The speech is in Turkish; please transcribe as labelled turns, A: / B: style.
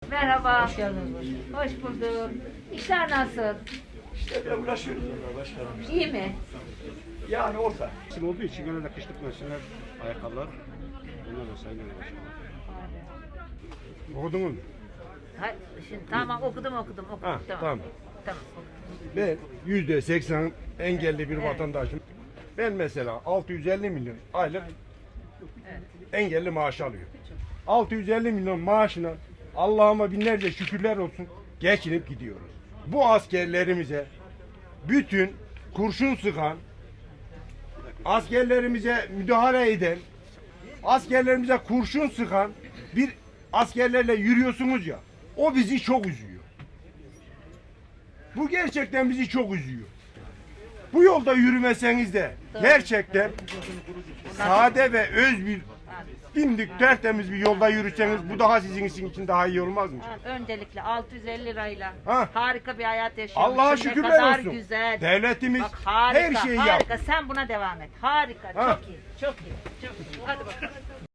A: Merhaba.
B: Hoş geldiniz başkanım.
A: Hoş bulduk. İşler nasıl?
C: İşte böyle uğraşıyoruz orada başkanım.
A: İyi mi?
C: Yani orta.
D: İsim olduğu için genelde kışlık mevsimler, ayakkabılar, bunlar da sayılır başkanım. Okudunuz mu?
A: Ha, şimdi, tamam okudum.
D: Ha, tamam.
A: Tamam.
D: Ben %80 engelli bir
A: Evet.
D: vatandaşım. Ben mesela 650 milyon aylık engelli maaş alıyorum. 650 milyon maaşına Allah'ıma binlerce şükürler olsun geçinip gidiyoruz. Bu askerlerimize bütün kurşun sıkan, askerlerimize müdahale eden, askerlerimize kurşun sıkan bir askerlerle yürüyorsunuz ya, o bizi çok üzüyor. Bu gerçekten bizi çok üzüyor. Bu yolda yürümeseniz de gerçekten sade ve öz bir dimdik tertemiz bir yolda yürüseniz bu daha sizin için daha iyi olmaz mı?
A: Öncelikle 650 lirayla
D: Ha.
A: harika bir hayat yaşıyorsun.
D: Allah'a
A: Ne
D: şükürler
A: kadar
D: olsun.
A: güzel.
D: Devletimiz
A: Bak, harika,
D: her şeyi
A: harika.
D: yaptı.
A: Sen buna devam et. Harika.
D: Ha.
A: Çok iyi. Çok iyi. Çok iyi. Hadi bakalım.